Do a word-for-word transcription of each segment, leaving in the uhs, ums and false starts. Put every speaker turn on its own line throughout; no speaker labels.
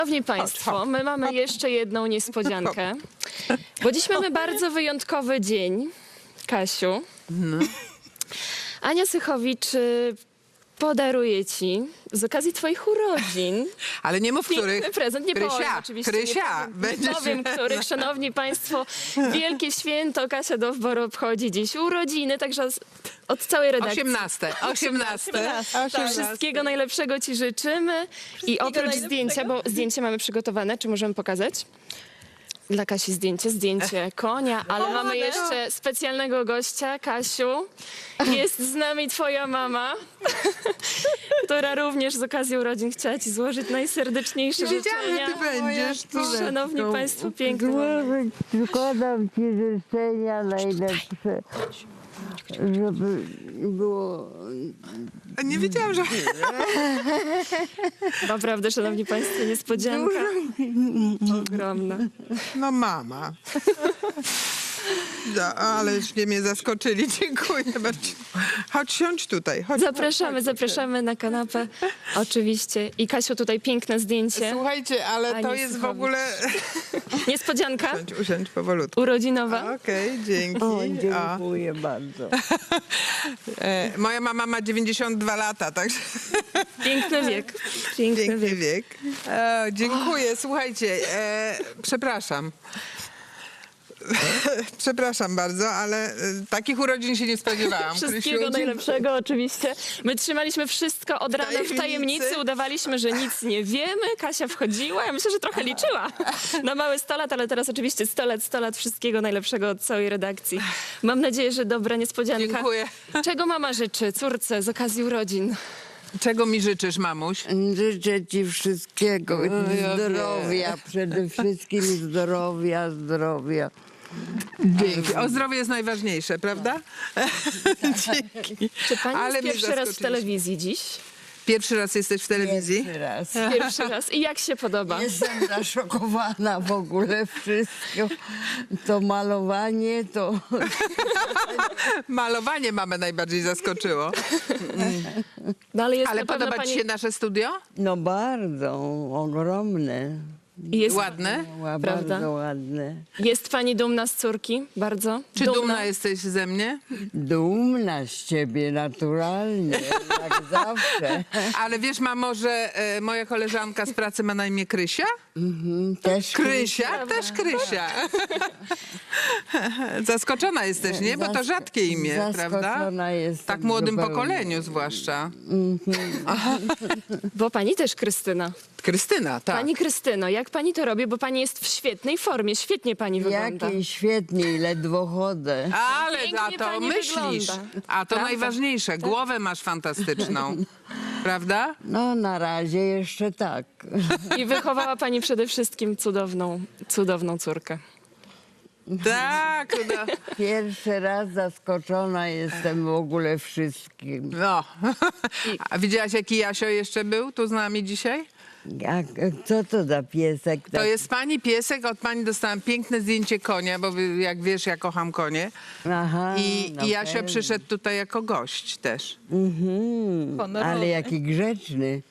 Szanowni Państwo, my mamy jeszcze jedną niespodziankę, bo dziś mamy bardzo wyjątkowy dzień, Kasiu. Ania Sychowicz y, podaruje Ci z okazji Twoich urodzin
Ale nie mów, których.
piękny prezent. Nie
Krysia,
powiem oczywiście.
Krysia,
nie powiem,
będziesz-
nie powiem których. Szanowni Państwo, wielkie święto. Kasia Dowbor obchodzi dziś urodziny, także z- od całej redakcji.
Osiemnaste. Osiemnaste.
Tak, wszystkiego najlepszego Ci życzymy. I oprócz zdjęcia, bo zdjęcie mamy przygotowane, czy możemy pokazać? Dla Kasi zdjęcie, zdjęcie konia, ale mamy jeszcze specjalnego gościa, Kasiu. Jest z nami Twoja mama, która również z okazji urodzin chciała Ci złożyć najserdeczniejsze
Wiedziałam,
życzenia.
że ty będziesz. Tu.
Szanowni Państwo, piękne mamy.
Złożyć, składam Ci życzenia najlepsze, żeby było...
A nie wiedziałam, że...
Naprawdę, Szanowni Państwo, niespodzianka ogromna.
No mama. No, aleście mnie zaskoczyli. Dziękuję bardzo. Chodź, siądź tutaj. Chodź,
Zapraszamy,
chodź, chodź.
zapraszamy na kanapę, oczywiście. I Kasiu, tutaj piękne zdjęcie.
Słuchajcie, ale
Ani
to jest w
Sychowicz.
ogóle...
Niespodzianka
Usiądź, usiądź powolutku.
urodzinowa.
Okej, dzięki.
O,
A,
dziękuję bardzo.
e, moja mama ma dziewięćdziesiąt dwa lata, także
Piękny wiek. Piękny
piękny
wiek.
wiek. E, dziękuję. Słuchajcie, e, przepraszam. Przepraszam bardzo, ale e, takich urodzin się nie spodziewałam.
Wszystkiego
Krysiu,
najlepszego oczywiście. My trzymaliśmy wszystko od rana w
Tajemnicy.
tajemnicy, udawaliśmy, że nic nie wiemy. Kasia wchodziła, ja myślę, że trochę liczyła na mały sto lat, ale teraz oczywiście sto lat, sto lat wszystkiego najlepszego od całej redakcji. Mam nadzieję, że dobra niespodzianka.
Dziękuję.
Czego mama życzy córce z okazji urodzin?
Czego mi życzysz, mamuś?
Życzę Ci wszystkiego,
ja
zdrowia, przede wszystkim zdrowia, zdrowia.
Dzięki. O zdrowie jest najważniejsze, prawda? Dzięki.
Czy pani
Ale
jest
mnie
pierwszy raz w
zaskoczyliście.
telewizji dziś?
Pierwszy raz jesteś w telewizji?
Pierwszy raz.
Pierwszy raz. I jak się podoba?
Jestem zaszokowana w ogóle wszystko. To malowanie, to...
Malowanie mamę najbardziej zaskoczyło.
No, ale jest
Ale
na pewno
podoba ci
pani...
się nasze studio?
No bardzo, ogromne.
Jest,
Ładne?
Ła-
Prawda?
Bardzo ładne.
jest pani dumna z córki? Bardzo?
Czy dumna, jesteś ze mnie?
Dumna z ciebie, naturalnie, jak zawsze.
Ale wiesz, mamo, że e, moja koleżanka z pracy ma na imię Krysia?
Mhm, też
Krysia? Też Krysia. Zaskoczona jesteś, nie? Bo to
Zask-
rzadkie imię, prawda?
zaskoczona jestem
Tak młodym
zupełnie.
pokoleniu zwłaszcza.
Bo pani też Krystyna.
Krystyna, tak.
Pani Krystyno, jak pani to robi? Bo pani jest w świetnej formie, świetnie pani wygląda.
Jakiej świetniej, ledwo chodzę.
Ale
Pięknie
a to
pani
myślisz.
wygląda.
A to
Prawda?
najważniejsze. Głowę masz fantastyczną. Prawda?
No na razie jeszcze tak.
I wychowała pani przede wszystkim cudowną, cudowną córkę.
Tak. No.
Pierwszy raz zaskoczona jestem w ogóle wszystkim.
no. A widziałaś, jaki Jasio jeszcze był tu z nami dzisiaj?
Jak, co to za piesek?
To
taki?
jest pani piesek. Od pani dostałam piękne zdjęcie konia, bo wy- jak wiesz, ja kocham konie.
Aha,
I,
no
i Jasio
pewnie.
przyszedł tutaj jako gość też.
Mhm, ale jaki grzeczny.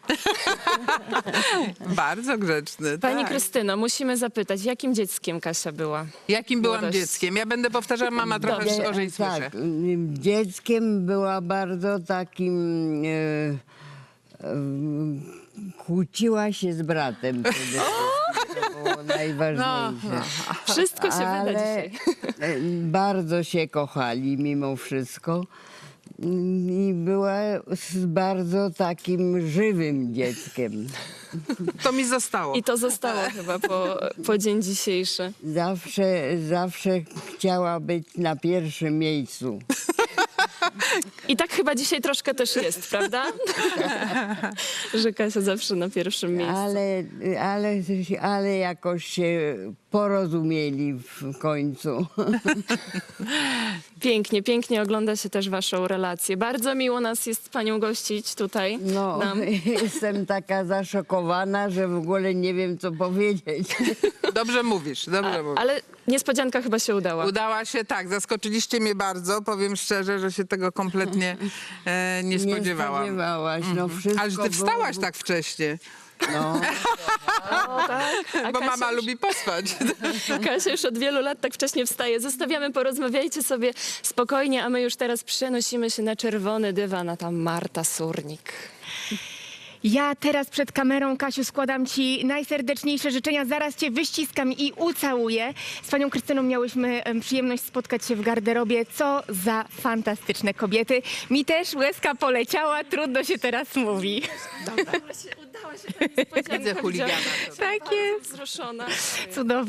Bardzo grzeczny.
Pani
tak.
Krystyno, musimy zapytać, jakim dzieckiem Kasia była?
Jakim byłam
Młodość.
dzieckiem? Ja będę powtarzała, mama trochę
Dobrze.
gorzej słyszy.
Tak, dzieckiem była bardzo takim... E, e, kłóciła się z bratem przede wszystkim. To było najważniejsze.
Wszystko się wyda
Ale
dzisiaj.
e, bardzo się kochali mimo wszystko. I była z bardzo takim żywym dzieckiem.
To mi zostało.
I to zostało chyba po, po dzień dzisiejszy.
Zawsze, zawsze chciała być na pierwszym miejscu.
I tak chyba dzisiaj troszkę też jest, prawda? Że Kasia zawsze na pierwszym miejscu.
Ale, ale, ale jakoś się porozumieli w końcu.
Pięknie, pięknie ogląda się też waszą relację. Bardzo miło nas jest panią gościć tutaj.
No,
Nam.
jestem taka zaszokowana, że w ogóle nie wiem, co powiedzieć.
Dobrze mówisz, dobrze mówisz.
Ale niespodzianka chyba się udała.
Udała się, tak, zaskoczyliście mnie bardzo. Powiem szczerze, że się tego kompletnie e, nie
Nie
spodziewałam.
spodziewałaś. No, wszystko
Ale że ty
było-
wstałaś tak wcześnie.
No.
O, tak. A
Bo
Kasia
mama
już-
lubi pospać.
Kasia już od wielu lat tak wcześnie wstaje. Zostawiamy, porozmawiajcie sobie spokojnie, a my już teraz przenosimy się na czerwony dywan, a tam Marta Surnik.
Ja teraz przed kamerą, Kasiu, składam Ci najserdeczniejsze życzenia. Zaraz Cię wyściskam i ucałuję. Z Panią Krystyną miałyśmy em, przyjemność spotkać się w garderobie. Co za fantastyczne kobiety. Mi też łezka poleciała, trudno się teraz mówi.
Udała się, udała się ta niespodzianka.
Widzę chuligana.
Widziałam.
Tak jest.
Wzruszona.
Cudownie.